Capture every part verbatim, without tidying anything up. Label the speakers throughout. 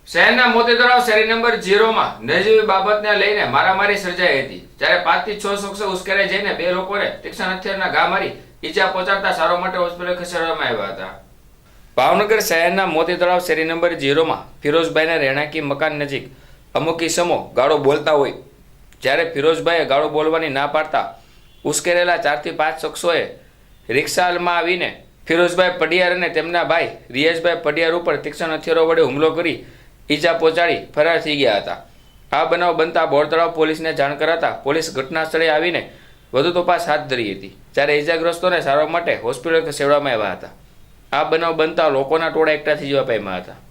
Speaker 1: શહેરના મોતીતળાવ શેરી નંબર ઝીરોમાં નજીવી બાબતને લઈને મારામારી સર્જાઈ હતી, જ્યારે પાંચથી છ શખ્સો ઉશ્કેરાઈ જઈને બે લોકોને તીક્ષ્ણ હથિયારના ઘા મારી ઈજા પહોંચાડતા સારવાર માટે હોસ્પિટલ ખસેડવામાં આવ્યા હતા. ભાવનગર શહેરના મોતીતળાવ શેરી નંબર ઝીરોમાં ફિરોઝભાઈના રહેણાંકી મકાન નજીક અમુક ઇસમો ગાળો બોલતા હોય, જ્યારે ફિરોઝભાઈએ ગાળો બોલવાની ના પાડતા ઉશ્કેરેલા ચારથી પાંચ શખ્સોએ રિક્ષામાં આવીને ફિરોઝભાઈ પડિયાર અને તેમના ભાઈ રિયાઝભાઈ પડિયાર ઉપર તીક્ષ્ણ હથિયારો વડે હુમલો કરી ઈજા પહોંચાડી ફરાર થઈ ગયા હતા. આ બનાવ બનતા બોરતળાવ પોલીસને જાણ કરાતા પોલીસ ઘટના સ્થળે આવીને વધુ તપાસ હાથ ધરી હતી, જ્યારે ઈજાગ્રસ્તોને સારવાર માટે હોસ્પિટલ ખસેડવામાં આવ્યા હતા. આ બનાવ બનતા લોકોના ટોળા એકઠા થઈ જવા પામ્યા હતા.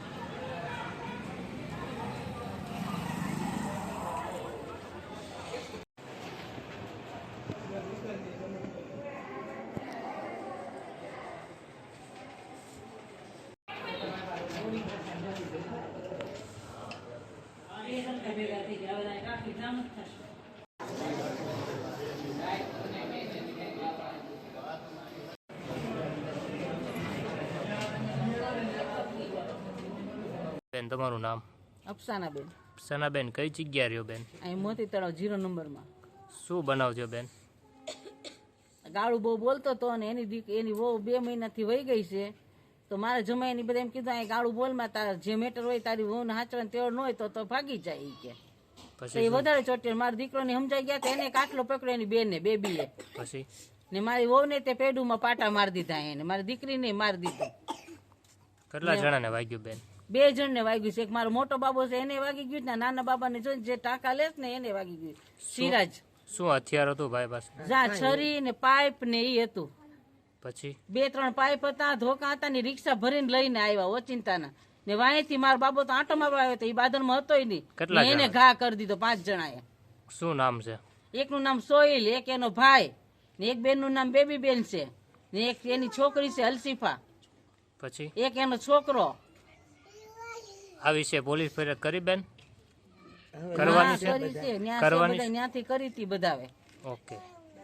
Speaker 2: બેન, તમારું નામ?
Speaker 3: અફસાનાબેન.
Speaker 2: અફસાનાબેન, કઈ જગ્યા રહ્યો બેન?
Speaker 3: અહીં મોતી તળાવ જીરો નંબરમાં.
Speaker 2: શું બનાવજો બેન?
Speaker 3: ગાળું બહુ બોલતો હતો અને એની દીક એની વહુ બે મહિનાથી વહી ગઈ છે, તો મારે જમાઈની બધા એમ કીધું અહીં ગાળું બોલમાં તારા જે મેટર હોય તારી વહુને હાચવાને તેઓ ન હોય તો તો ભાગી જાય એ કે. તો એ વધારે ચોટ્યો. મારા દીકરોને સમજાઈ ગયા તો એને કાટલો પકડ્યો એની બેને બેબીએ.
Speaker 2: પછી
Speaker 3: ને મારી વહુને તે પેડુમાં પાટા મારી દીધા એને, મારી દીકરીને મારી દીધું.
Speaker 2: કેટલા જણાને વાગ્યું બેન?
Speaker 3: બે જણને વાગ્યું છે. એક મારો મોટો બાબો છે એને વાગી ગયું, ને નાના બાબાને જોઈને જે ટાંકા લેસ ને એને વાગી ગયું. સિરાજ.
Speaker 2: શું હથિયાર હતું ભાઈ પાસે?
Speaker 3: જા છરી ને પાઇપ ને એ હતું.
Speaker 2: પછી
Speaker 3: બે ત્રણ પાઇપ હતા, ધોકા હતા ને રિક્ષા ભરીને લઈને આવ્યા ઓચિંતાના. ને વાંયથી મારો બાબો તો આંટો મારવા આવ્યો હતો, એ બાદરમાં હતો નહીં. એને ઘા કરી દીધો પાંચ જણાએ.
Speaker 2: શું નામ છે?
Speaker 3: એકનું નામ સોહિલ, એક એનો ભાઈ, ને એક બેનનું નામ બેબી બેન છે, ને એક એની છોકરી છે હલસીફા.
Speaker 2: પછી
Speaker 3: એક એનો છોકરો.
Speaker 2: આ વિશે પોલીસ ફરિયાદ કરી બેન? કરવાની છે, કરવાની
Speaker 3: ત્યાંથી કરી હતી બધાવે.
Speaker 2: ઓકે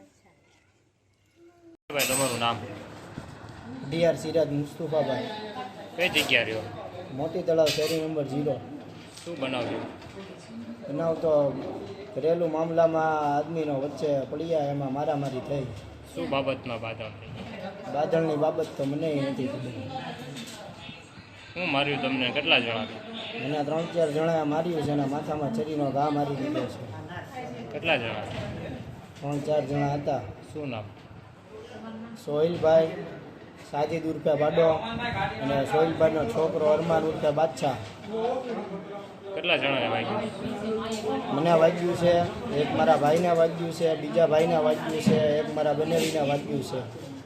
Speaker 2: ભાઈ, તમારું નામ?
Speaker 4: ડીઆર સિરાજ મુસ્તુફાભાઈ.
Speaker 2: કઈ જગ્યા રહ્યો?
Speaker 4: મોતી તળાવ શેરી નંબર ઝીરો.
Speaker 2: શું બનાવજો?
Speaker 4: બનાવ તો ઘરેલું મામલામાં આદમીનો વચ્ચે પડ્યા, એમાં મારામારી થઈ.
Speaker 2: શું બાબતમાં બાધણ થઈ?
Speaker 4: બાદળની બાબત તો મને નથી ખબર.
Speaker 2: શું માર્યું તમને? કેટલા જણા?
Speaker 4: મને ત્રણ ચાર જણા માર્યું છે અને માથામાં છરીનો ઘા મારી દીધો છે.
Speaker 2: કેટલા જણા?
Speaker 4: ત્રણ ચાર જણા હતા.
Speaker 2: શું નામ?
Speaker 4: સોહિલભાઈ, સાજીદ ઉર્ફે બાડો અને સોહિલભાઈનો છોકરો અરમાન ઉર્ફે બાદશાહ.
Speaker 2: કેટલા જણાને વાગ્યું?
Speaker 4: મને વાગ્યું છે, એક મારા ભાઈને વાગ્યું છે, બીજા ભાઈને વાગ્યું છે, એક મારા બનેવીને વાગ્યું છે.